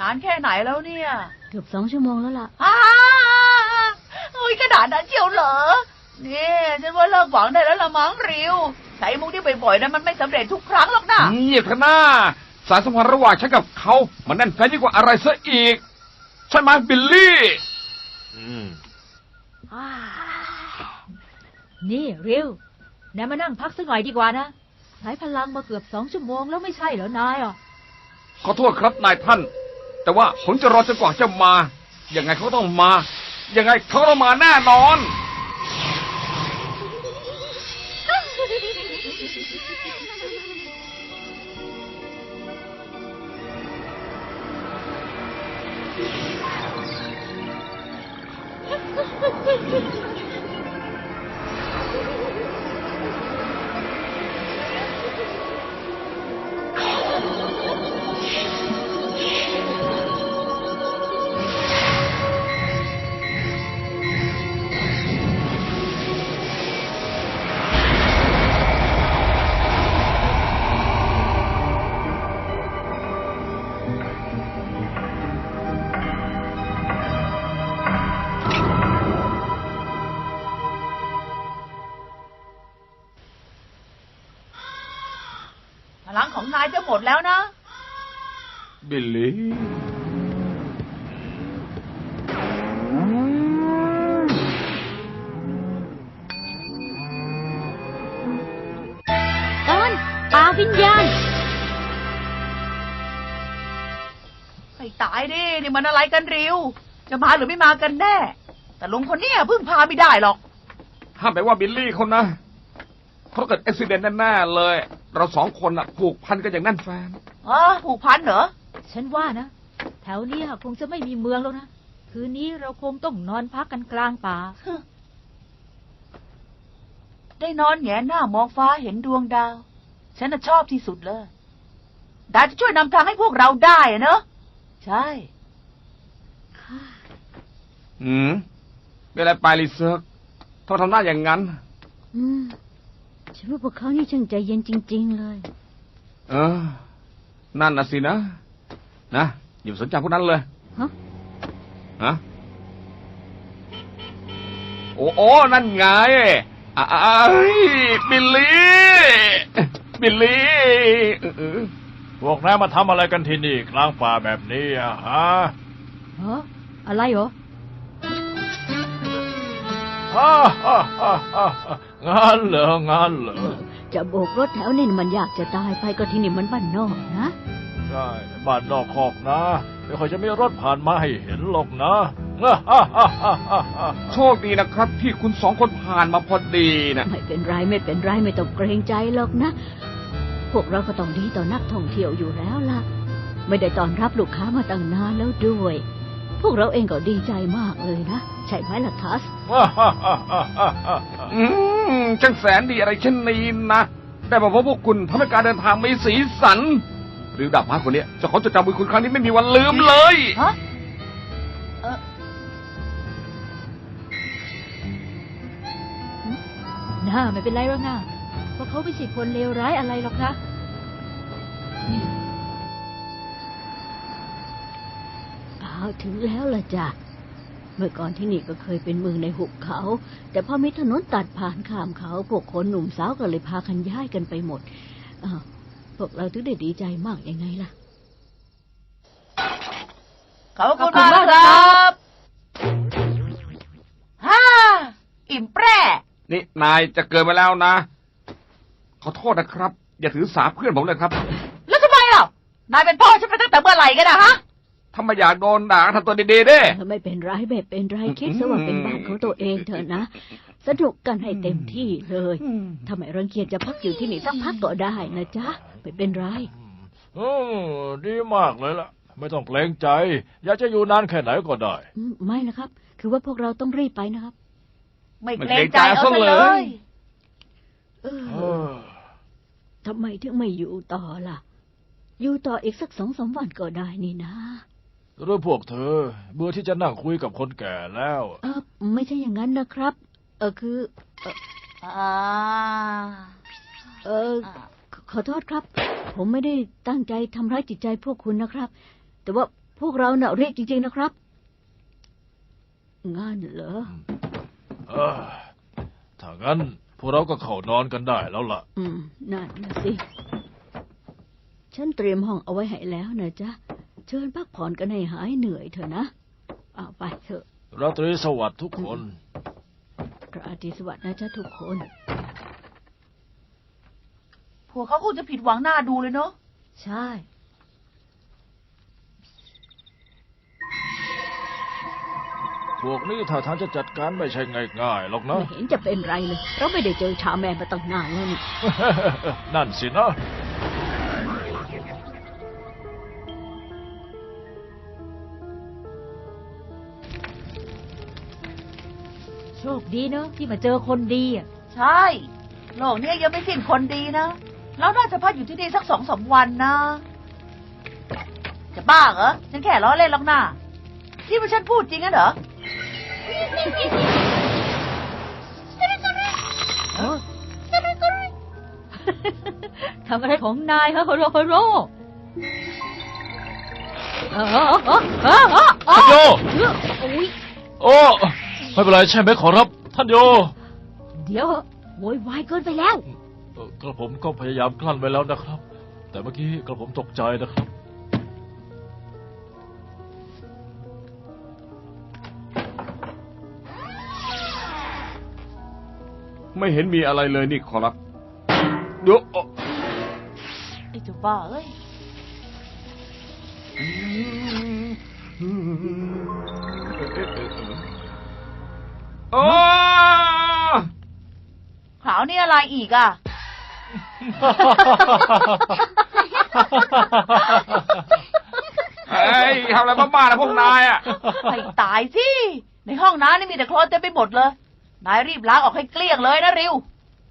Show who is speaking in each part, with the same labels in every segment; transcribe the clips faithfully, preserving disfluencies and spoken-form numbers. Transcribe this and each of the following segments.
Speaker 1: านแค่ไหนแล้วเนี่ย
Speaker 2: เกือบสองชั่วโมงแล้วล่ะ
Speaker 1: อ้าโอ้ยขนาดนั้นเชียวเหรอนี่ฉันว่าเลิกหวังได้แล้วละมั้งริวใช้มุกที่บ่อยๆนั้นมันไม่สำเร็จทุกครั้งหรอกนะ
Speaker 3: เงียบเถอะนะสายสัมพันธ์ระหว่างฉันกับเขามันแน่นแฟ้นยิ่งกว่าอะไรซะอีกใช่ไหมบิลลี่
Speaker 4: อืม
Speaker 2: นี่ริวนายมานั่งพักสักหน่อยดีกว่านะใช้พลังมาเกือบสองชั่วโมงแล้วไม่ใช่เหรอนายอ่ะ
Speaker 3: ขอโทษครับนายท่านแต่ว่าผมจะรอจนกว่าจะมายังไงเขาต้องมายังไงเขาต้องมาแน่นอน
Speaker 1: พลังของนายจะหมดแล้วนะ
Speaker 3: บิลลี่
Speaker 2: ตอนปาวิญญาณ
Speaker 1: ให้ตายดินี่มันอะไรกันริวจะมาหรือไม่มากันแน่แต่ลุงคนนี้พึ่งพาไม่ได้หรอก
Speaker 3: ห้ามไปว่าบิลลี่คนนะเขาเกิดอุบิเหตุแน่ๆเลยเราสองคนน่ะผูกพันกันอย่างแน่นแฟ้น
Speaker 1: อ๋อผูกพันเหรอ
Speaker 2: ฉันว่านะแถวนี้คงจะไม่มีเมืองแล้วนะคืนนี้เราคงต้องนอนพักกันกลางป่า
Speaker 1: ได้นอนแงนหน้ามองฟ้าเห็นดวงดาวฉันน่ะชอบที่สุดเลยดาวจะช่วยนำทางให้พวกเราได้เนอะใช่
Speaker 3: อืมเป็นอะไรไปลิเซิร์กเขาทำหน้าอย่างนั้น
Speaker 2: อืมฉันว่าพวกเขานี่ช่างใจเย็นจริงๆเลย
Speaker 3: เออนั่นน่ะสินะนะอย่าสนใจพวกนั้นเลย
Speaker 2: ฮะ
Speaker 3: ฮะโอ้โอ้นั่นไงอ้ายบิลลี่บิลลี่
Speaker 4: พวกนายมาทำอะไรกันที่นี่กลางป่าแบบนี้อะฮะ
Speaker 2: ฮะอะไรเหรอ
Speaker 4: ฮ่าฮ่าฮ่าฮ่างานเหรองานเหรอ
Speaker 2: จะโบกรถแถวนี้มันอยากจะตายไปก็ที่นี่มันบ้านนอกนะ
Speaker 4: ใช่บ้านนอกคอกนะไม่ค่อยจะมีรถผ่านมาให้เห็นหรอกนะ
Speaker 3: โชคดีนะครับที่คุณสองคนผ่านมาพอดีนะ
Speaker 2: ไม่เป็นไรไม่เป็นไรไม่ต้องเกรงใจหรอกนะพวกเราก็ต้องดีต่อนักท่องเที่ยวอยู่แล้วล่ะไม่ได้ต้อนรับลูกค้ามาตั้งนานแล้วด้วยพวกเราเองก็ดีใจมากเลยนะใช่ไหมล่ะทัส
Speaker 3: อืมจังแสนดีอะไรเช่นนี้นะได้มาพบพวกคุณทำให้การเดินทางมีสีสันหรือดาบม้าคนนี้จะขอจดจำบุญคุณครั้งนี้ไม่มีวันลืมเลย
Speaker 1: ฮะเออ
Speaker 2: น่าไม่เป็นไรหรอกนะเพราะเขาไม่ใช่คนเลวร้ายอะไรหรอกนะถึงแล้วล่ะจ้ะเมื่อก่อนที่นี่ก็เคยเป็นเมืองในหุบเขาแต่พอมีถนนตัดผ่านข้ามเขาพวกคนหนุ่มสาวก็เลยพากันย้ายกันไปหมดอ้าวพวกเราถึงได้ดีใจมากยังไงล่ะ
Speaker 1: ขอบคุณมากครับฮ่าอิ่มแปร่
Speaker 3: นี่นายจะเกินไปแล้วนะขอโทษนะครับอย่าถือสาเพื่อนผมเลยครับ
Speaker 1: แล้วทำไมล่ะนายเป็นพ่อฉันไปตั้งแต่เมื่อไหร่กันนะฮะ
Speaker 3: ถ้าไม่อยากโดนด่าทำตัวดีๆด้
Speaker 2: ไม่เป็นไรไม่เป็นไรคิดซะว่าเป็นบ้านของตัวเองเถอะนะสนุกกันให้เต็มที่เลยถ้าไม่รังเกียจจะพักอยู่ที่นี่สักพักก็ได้นะจ๊ะไม่เป็นไร
Speaker 4: อืมดีมากเลยล่ะไม่ต้องเกรงใจอยากจะอยู่นานแค่ไหนก็ได้
Speaker 2: ไม่นะครับคือว่าพวกเราต้องรีบไปนะครับ
Speaker 1: ไม่เกรงใจเอาเลย
Speaker 2: เออทำไมถึงไม่อยู่ต่อล่ะอยู่ต่ออีกสักสองสามวันก็ได้นี่นะ
Speaker 4: หรือพวกเธอเบื่อที่จะนั่งคุยกับคนแก่แล้ว
Speaker 2: เออไม่ใช่อย่างนั้นนะครับเออคือเออเออขอโทษครับผมไม่ได้ตั้งใจทำร้ายจิตใจพวกคุณนะครับแต่ว่าพวกเราเน่ะเรียกจริงๆนะครับงั้นเหรอ
Speaker 4: เออถ้างั้นพวกเราก็เข้านอนกันได้แล้วล่ะ
Speaker 2: อืมนั่นนะสิฉันเตรียมห้องเอาไว้ให้แล้วนะจ๊ะเชิญพักผ่อนกันให้หายเหนื่อยเถอะนะเอาไปเถอะ
Speaker 4: ราตรีสวัสดิ์ทุกคน
Speaker 2: ราตรีสวัสดิ์นะจ๊ะทุกคน
Speaker 1: พวกเขาคงจะผิดหวังหน้าดูเลยเนาะ
Speaker 2: ใช่
Speaker 4: พวกนี้ถ้าทางจะจัดการไม่ใช่ง่ายๆหรอกนะ
Speaker 2: ไม่เห็นจะเป็นไรเลย เราไม่ได้เจอชาแมนมาตั้งนานแล้วนี่
Speaker 4: นั่นสินะ
Speaker 2: โชคดีเนอะที่มาเจอคนดีอ่ะ
Speaker 1: ใช่โลกเนี้ยยังไม่สิ้นคนดีนะเราน่าจะพักอยู่ที่นี่สักสองสามวันนะจะบ้าเหรอฉันแค่ล้อเล่นหรอกนะที่ว่าฉันพูดจริงนะเหรอ
Speaker 2: ทำอะไรของนายฮะโฮโรโฮโรเออเออเออเออเออ
Speaker 4: ท่านโย
Speaker 2: โอ้ย
Speaker 4: โอ้ไม่เป็นไรใช่ไหมขอรับ ท่านโย
Speaker 2: เดี๋ยวโวยวายเกินไปแล้ว
Speaker 4: เอ่อกระผมก็พยายามกลั้นไว้แล้วนะครับ แต่เมื่อกี้กระผมตกใจนะครับ
Speaker 3: ไม่เห็นมีอะไรเลยนี่ขอรับเดี๋ยวเอ่อ
Speaker 1: ไอ้เจ้าบ้าเอ้ย
Speaker 3: โอ้
Speaker 1: ขาวนี่อะไรอีกอ่ะ
Speaker 3: เฮ้ยทำอะไรบ้าๆนะพวกนายอ่ะ
Speaker 1: ให้ตายสิ ในห้องน้ำนี่มีแต่โคลนเต็มไปหมดเลย นายรีบล้างออกให้เกลี้ยงเลยนะริว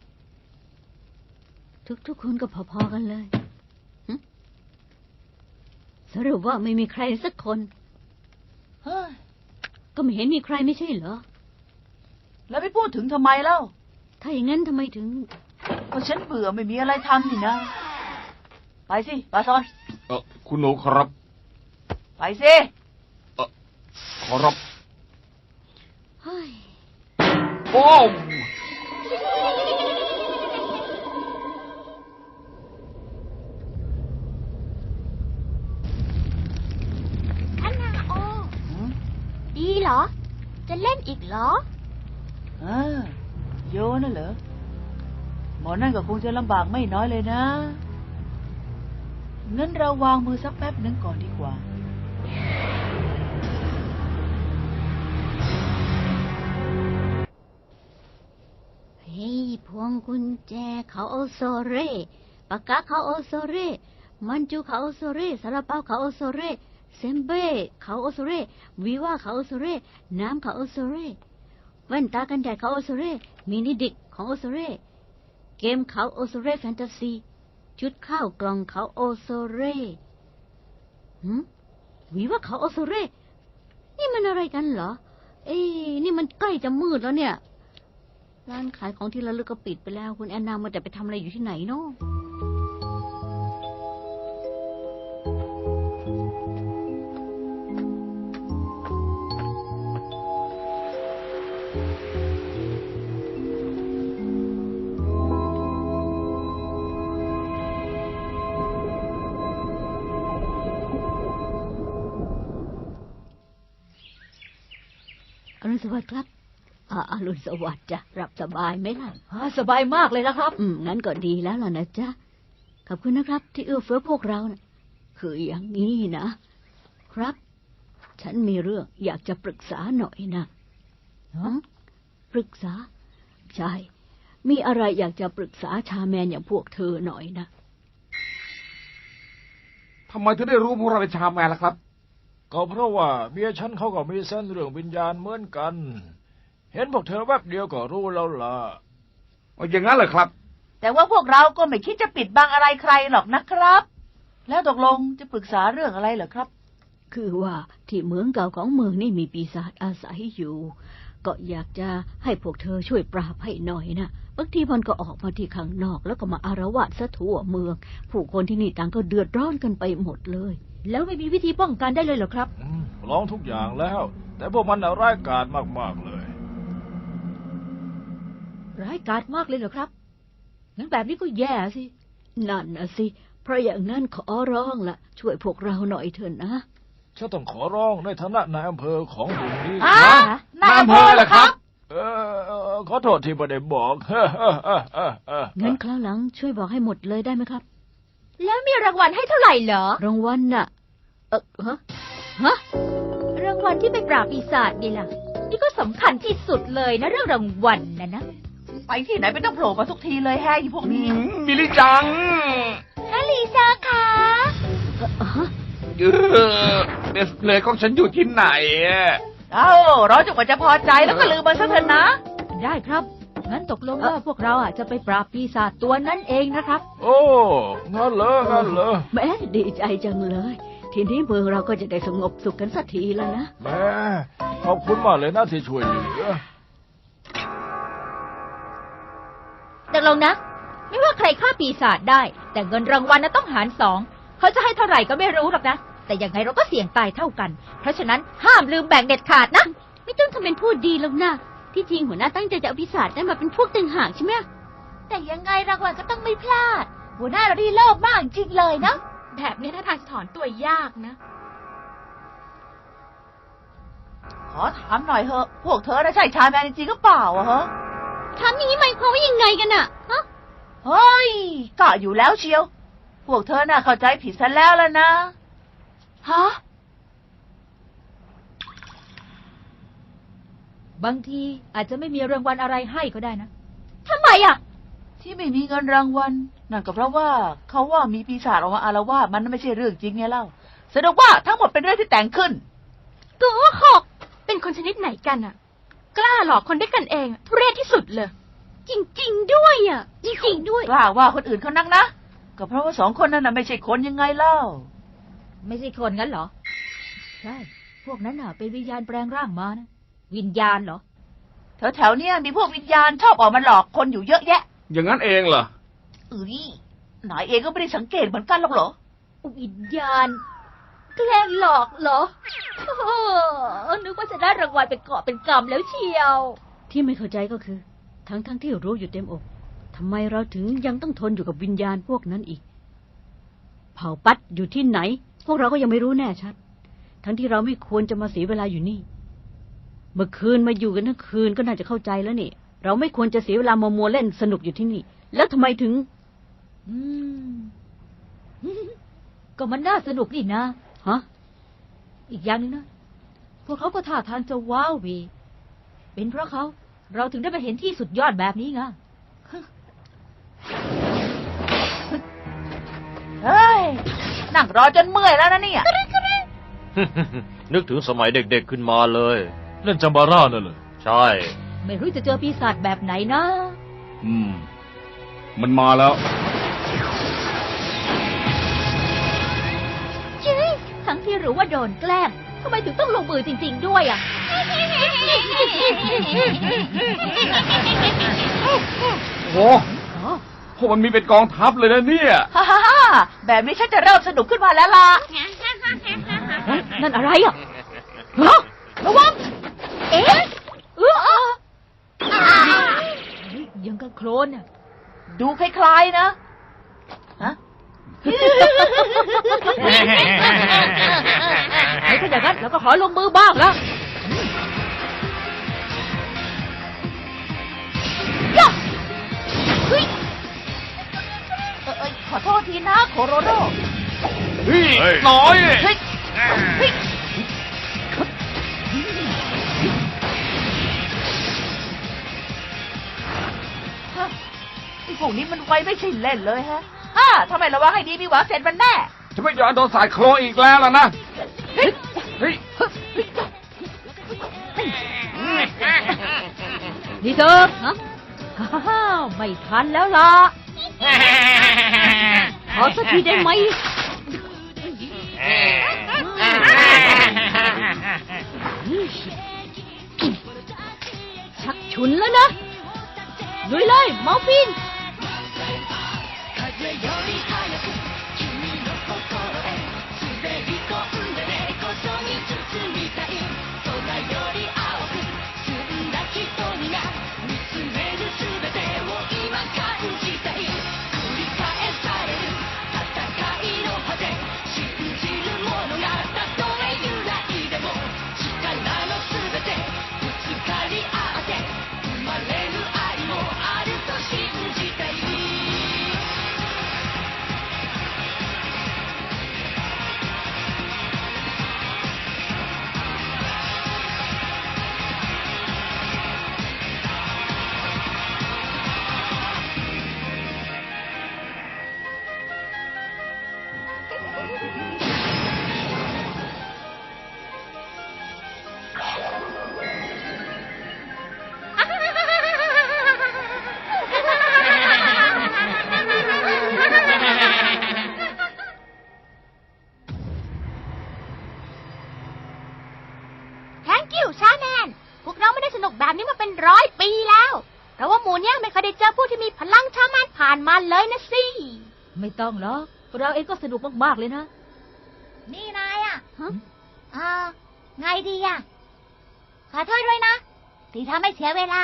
Speaker 2: ทุกๆคนก็พอๆกันเลยหึสรุปว่าไม่มีใครสักคน
Speaker 1: เฮ้ย
Speaker 2: ก็ไม่เห็นมีใครไม่ใช่เหรอ
Speaker 1: แล้วไปพูดถึงทำไมเล่า
Speaker 2: ถ้าอย่างนั้นทำไมถึง
Speaker 1: ก็ฉันเบื่อไม่มีอะไรทำนี่นะ ไปสิปาซอน
Speaker 3: เออคุณหนูขอรับ
Speaker 1: ไปสิ
Speaker 3: เออขอรับ
Speaker 2: เฮ้ย
Speaker 3: โอ้
Speaker 5: อันนาโอ ดีเหรอ จะเล่นอีกเหรอ
Speaker 1: เออโยน่ะเหรอ หมอนั่นก็คงจะลำบากไม่น้อยเลยนะ งั้นเราวางมือสักแป๊บหนึ่งก่อนดีกว่า
Speaker 2: เฮ้ยพวงกุญแจเขาโอโซเร่ปากกาเขาโอโซเร่มันจูเขาโอโซเร่ซาลาเปาเขาโอโซเร่เซมเบ้เขาโอโซเร่วีว่าเขาโอโซเร่น้ำเขาโอโซเร่แว่นตากันแดดเขาโอโซเร่มินิดิกของโอโซเร่เกมเขาโอโซเร่แฟนตาซีชุดข้าวกล่องเขาโอโซเร่หืมวีว่าเขาโอโซเร่นี่มันอะไรกันเหรอ เอ้ยนี่มันใกล้จะมืดแล้วเนี่ย ร้านขายของที่ระลึกก็ปิดไปแล้ว คุณแอนนามันแต่ไปทำอะไรอยู่ที่ไหนเนาะ อรุณสวัสดิ์ครับอ่าอรุณสวัสดิ์จ้ะหลับสบายไหมล่ะ
Speaker 1: สบายมากเลยนะครับ
Speaker 2: อืมงั้นก็ดีแล้วล่ะนะจ๊ะ ขอบคุณนะครับ ที่เอื้อเฟื้อพวกเรานะคืออย่างนี้นะ ครับ ฉันมีเรื่องอยากจะปรึกษาหน่อยนะฮะปรึกษา ใช่ มีอะไรอยากจะปรึกษาชาแมนอย่างพวกเธอหน่อยนะ
Speaker 3: ทำไมถึงได้รู้พวกเราเป็นชาวแมนล่ะครับ
Speaker 4: ก็เพราะว่าเมียฉันเขาก็มีเส้นเรื่องวิญญาณเหมือนกัน เห็นพวกเธอแวบเดียวก็รู้แล้วล่ะ
Speaker 3: อย่างนั้นเหรอครับ
Speaker 1: แต่ว่าพวกเราก็ไม่คิดจะปิดบังอะไรใครหรอกนะครับ แล้วตกลงจะปรึกษาเรื่องอะไรเหรอครับ
Speaker 2: คือว่าที่เมืองเก่าของเมืองนี่มีปีศาจอาศัยอยู่ก็อยากจะให้พวกเธอช่วยปราบให้หน่อยนะบางทีมันก็ออกมาที่ข้างนอกแล้วก็มาอารวาสซะทั่วเมือง ผู้คนที่นี่ต่างก็เดือดร้อนกันไปหมดเลย
Speaker 6: แล้วไม่มีวิธีป้องกันได้เลยเหรอครับ
Speaker 4: อืมลองทุกอย่างแล้ว แต่พวกมันน่ะร้ายกาจมากๆเลย
Speaker 6: ร้ายกาจมากเลยเหรอครับ งั้นแบบนี้ก็แย่สิ
Speaker 2: นั่นนะสิเพราะอย่างนั้นขอร้องละช่วยพวกเราหน่อยเถอะนะ
Speaker 4: ฉันต้องขอร้องในฐานะนายอำเภอของหมู่นี้
Speaker 1: อ่ะ
Speaker 3: นายอำเภอเหรอครับ
Speaker 4: เออเออขอโทษที่ไม่ได้บอก
Speaker 2: งั้นคราวหลังช่วยบอกให้หมดเลยได้ไหมครับ
Speaker 5: แล้วมีรางวัลให้เท่าไหร่เหรอ
Speaker 2: รางวัลน่ะ เออฮะฮะ
Speaker 5: รางวัลที่ไปปราบปีศาจนี่ล่ะ นี่ก็สำคัญที่สุดเลยนะเรื่องรางวัลนะนะ
Speaker 1: ไปที่ไหนไม่ต้องโผล่มาทุกทีเลยแฮะอีพวก
Speaker 3: อื
Speaker 1: นี้
Speaker 3: มมิลิจัง
Speaker 5: ฮะลีซ่าคะ
Speaker 2: เอ่อฮะ
Speaker 3: เออเดสเพลย์ของฉันอยู่ที่ไหนอะ
Speaker 1: เอ้าเราจนกว่าจะพอใจแล้วก็ลืมมันซะเถอะนะ
Speaker 6: ได้ครับ งั้นตกลงว่าพวกเราอ่ะจะไปปราบปีศาจตัวนั้นเองนะครับ
Speaker 4: โอ้งั้นเหรองั้นเหรอ
Speaker 2: แม่ดีใจจังเลย ทีนี้เมืองเราก็จะได้สงบสุขกันสักทีแล้วนะ
Speaker 4: แม่ขอบคุณมากเลยนะที่ช่วยเหลือ
Speaker 5: ตกลงนะ ไม่ว่าใครฆ่าปีศาจได้ แต่เงินรางวัลน่ะต้องหารสองเขาจะให้เท่าไหร่ก็ไม่รู้หรอกนะ แต่ยังไงเราก็เสี่ยงตายเท่ากัน เพราะฉะนั้นห้ามลืมแบ่งเด็ดขาดนะ
Speaker 2: ไม่ต้องทำเป็นพูดดีหรอกนะที่จริงหัวหน้าตั้งใจจะเอาปีศาจได้มาเป็นพวกต่างหากใช่ไหม
Speaker 5: แต่ยังไงรางวัลก็ต้องไม่พลาด หัวหน้าเราดีโลภมากจริงเลยนะ แบบนี้ถ้าทางจะถอนตัวยากนะ
Speaker 1: ขอถามหน่อยเถอะ พวกเธอน่ะใช่ชายแมนจริงๆหรือเปล่าอะฮะ
Speaker 2: ทำอย่างนี้หมายความว่ายังไงกันอะฮะ
Speaker 1: เฮ้ยกะอยู่แล้วเชียว พวกเธอน่ะเข้าใจผิดซะแล้วล่ะนะ
Speaker 5: ฮะ
Speaker 6: บางทีอาจจะไม่มีรางวัลอะไรให้ก็ได้นะ
Speaker 5: ทำไมอ่ะ
Speaker 1: ที่ไม่มีเงินรางวัลนั่นก็เพราะว่าเขาว่ามีปีศาจออกมาอาละวาดมันไม่ใช่เรื่องจริงไงเล่าแสดงว่าทั้งหมดเป็นเรื่องที่แต่งขึ้น
Speaker 5: โกหก เป็นคนชนิดไหนกันอ่ะ กล้าหลอกคนด้วยกันเองอะทุเรศที่สุดเลย
Speaker 2: จริง ๆ ด้วยอะจริงๆด้วย
Speaker 1: กล้าว่าคนอื่นเขานักนะ ก็เพราะว่าสองคนนั้นน่ะไม่ใช่คนยังไงเล่า
Speaker 6: ไม่ใช่คนงั้นเหรอ ใช่ พวกนั้นน่ะเป็นวิญญาณแปลงร่างมานะ วิญญาณเหรอ
Speaker 1: แถวแถวๆเนี้ยมีพวกวิญญาณชอบออกมาหลอกคนอยู่เยอะแยะ
Speaker 3: อย่างนั้นเองเหรอ
Speaker 1: เอ้ยนายเองก็ไม่ได้สังเกตเหมือนกันหรอกเหรอ
Speaker 5: วิญญาณ แกล้งหลอกเหรอโอ้โหนึกว่าจะได้รางวัลเป็นเกาะเป็นกำแล้วเชียว
Speaker 2: ที่ไม่เข้าใจก็คือ ทั้งๆทที่รู้อยู่เต็มอกทำไมเราถึงยังต้องทนอยู่กับวิญญาณพวกนั้นอีก เผ่าปัดอยู่ที่ไหน พวกเราก็ยังไม่รู้แน่ชัด ทั้งที่เราไม่ควรจะมาเสียเวลาอยู่นี่ เมื่อคืนมาอยู่กันทั้งคืนก็น่าจะเข้าใจแล้วนี่ เราไม่ควรจะเสียเวลามามัวเล่นสนุกอยู่ที่นี่ แล้วทำไมถึง
Speaker 6: อืม ก็มันน่าสนุกนี่นะ
Speaker 2: ฮะ
Speaker 6: อีกอย่างหนึงนะ พวกเขาก็ท่าทางจะว้าววีเป็นเพราะเขา เราถึงได้ไปเห็นที่สุดยอดแบบนี้ไง
Speaker 1: เฮ้ย นั่งรอจนเมื่อยแล้วนะเนี่ย
Speaker 7: นึกถึงสมัยเด็กๆขึ้นมาเลย
Speaker 4: เล่นจัมบาร่านั่นเลย
Speaker 7: ใช่
Speaker 6: ไม่รู้จะเจอปีศาจแบบไหนนะ
Speaker 3: อืม มันมาแล้ว
Speaker 5: ทั้งที่รู้ว่าโดนแกล้งทำไมถึงต้องลงมือจริง ๆ ด้วยอ่ะ
Speaker 3: โอ้พวกมันมีเป็นกองทัพเลยนะเนี่ย
Speaker 1: ฮ่าฮ่าฮ่าแบบนี้ฉันจะเริ่มสนุกขึ้นมาแล้วล่ะ
Speaker 2: นั่นอะไรอ่ะ
Speaker 1: ฮะระวัง
Speaker 5: เอ๊ะเออ
Speaker 6: ยังกับโคลนน่ะ
Speaker 1: ดูคล้ายๆนะ ฮะ
Speaker 6: ถ้าอย่างนั้นเราก็ขอลงมือบ้างแล้ว
Speaker 1: เฮ้ยเอ่อเอ้ยขอโทษทีนะโคโรโร
Speaker 3: เฮ้ย
Speaker 7: เฮ้ย
Speaker 3: น้อย
Speaker 1: เฮ้ย เฮ้ยฮะไอ้พวกนี้มันไวไม่ใช่เล่นเลยฮะฮ่าทำไมระวังให้ดีมีหวังเสร็จมันแน่
Speaker 3: จะไม่ยอมโดนสายโคลนอีกแล้วล่ะนะ เฮ้ย เฮ้ย
Speaker 6: นี่เธอฮะฮ่าวไม่ทันแล้วล่ะ
Speaker 2: ขอสักทีได้ไหม
Speaker 7: เ
Speaker 2: ฉุนแล้วนะลุยเลยมอร์ฟิน
Speaker 5: Thank you ชาแนนพวกเราไม่ได้สนุกแบบนี้มาเป็นร้อยปีแล้วเพราะว่าหมูเนี่ยไม่เคยได้เจอผู้ที่มีพลังชาแมนผ่านมาเลยนะสิ
Speaker 6: ไม่ต้องหรอกเราเองก็สนุกมากๆเลยนะ
Speaker 5: นี่นายอ่ะอ่าไงดีอ่ะขอโทษด้วยนะที่ทำให้เสียเวลา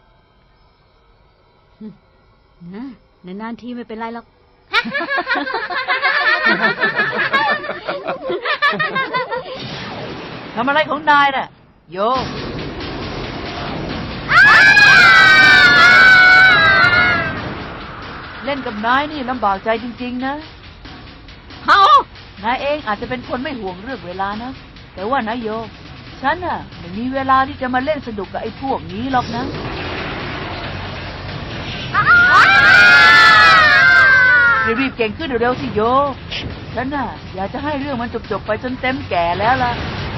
Speaker 2: นะนานๆทีไม่เป็นไรหรอก
Speaker 1: ทำอะไรของนายน่ะ โย เล่นกับนายนี่ลำบากใจจริงๆนะ
Speaker 2: เฮาน
Speaker 1: ายเองอาจจะเป็นคนไม่ห่วงเรื่องเวลานะ แต่ว่านายโย ฉันน่ะไม่มีเวลาที่จะมาเล่นสนุกกับไอ้พวกนี้หรอกนะ รีบๆเก่งขึ้นเร็วๆสิโย ฉันน่ะอยากจะให้เรื่องมันจบๆไปจนเต็มแก่แล้วล่ะ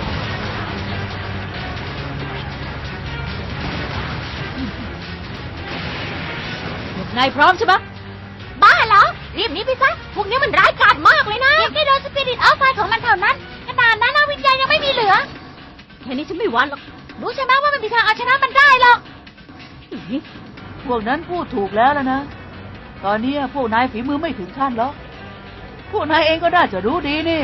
Speaker 6: นายพร้อมใช่ไหม
Speaker 5: บ้าเหรอ รีบหนีไปซะ พวกนี้มันร้ายกาจมากเลยนะแค่โดนสปิริตเอาไฟของมันเท่านั้น ขนาดนั้นนะวิญญาณยังไม่มีเหลือ
Speaker 2: แค่นี้ฉันไม่หวั่นหรอก
Speaker 5: รู้ใช่ไหมว่าไม่มีทางเอาชนะมันได้หรอก
Speaker 1: พวกนั้นพูดถูกแล้วแล้วนะ ตอนนี้พวกนายฝีมือไม่ถึงขั้นหรอก พวกนายเองก็น่าจะรู้ดีนี่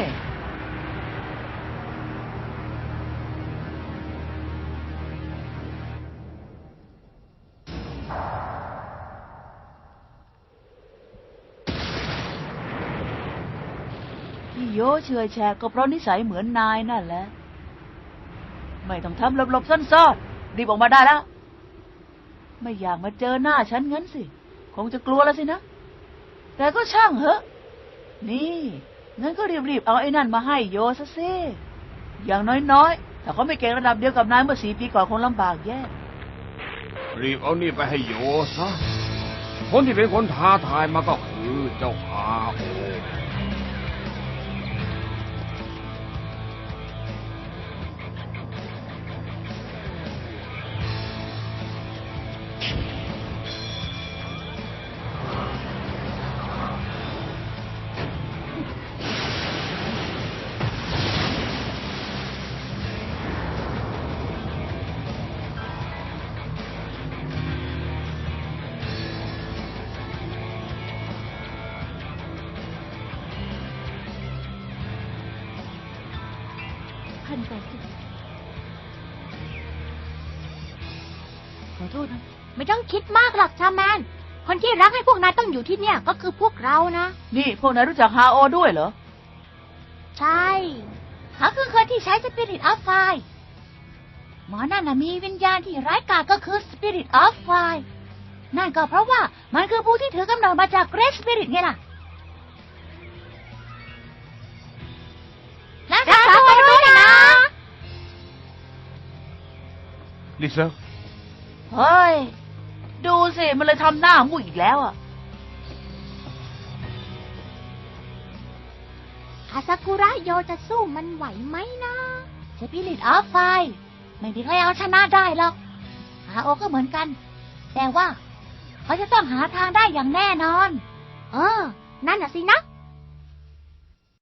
Speaker 1: ที่โยเฉยแฉกก็เพราะนิสัยเหมือนนายนั่นแหละ ไม่ต้องทำหลบๆซ่อนๆรีบออกมาได้แล้ว ไม่อยากมาเจอหน้าฉันงั้นสิ คงจะกลัวแล้วสินะ แต่ก็ช่างเหอะ นี่ งั้นก็รีบๆเอาไอ้นั่นมาให้โยซะสิ อย่างน้อยๆ ถ้าเขาไม่เก่งระดับเดียวกับนายเมื่อสี่ปีก่อนคงลำบากแย่
Speaker 3: รีบเอานี่ไปให้โยซะ คนที่เป็นคนท้าทายมาก็คือเจ้าฮาโอ
Speaker 2: พันไปสิขอโทษนะ
Speaker 5: ไม่ต้องคิดมากหรอกชาแมน คนที่รักให้พวกนายต้องอยู่ที่เนี่ยก็คือพวกเรานะ
Speaker 1: นี่พวกนายรู้จักฮาโอด้วยเหรอ
Speaker 5: ใช่เขาคือคนที่ใช้สปิริตออฟไฟหมอนั่นนะมีวิญญาณที่ร้ายกาจก็คือสปิริตออฟไฟนั่นก็เพราะว่ามันคือผู้ที่ถือกำเนิดมาจากเกรทสปิริตไงล่ะรักษาตัวด้วยนะ
Speaker 3: ลิเซอร์
Speaker 1: เฮ้ย ดูสิ มันเลยทำหน้ามุ้ยอีกแล้วอ่ะ
Speaker 5: อาซากุระโยจะสู้มันไหวไหมนะสปิริตออฟไฟไม่มีใครเอาชนะได้หรอกฮาโอก็เหมือนกัน แต่ว่าเขาจะต้องหาทางได้อย่างแน่นอน เออ นั่นน่ะสินะ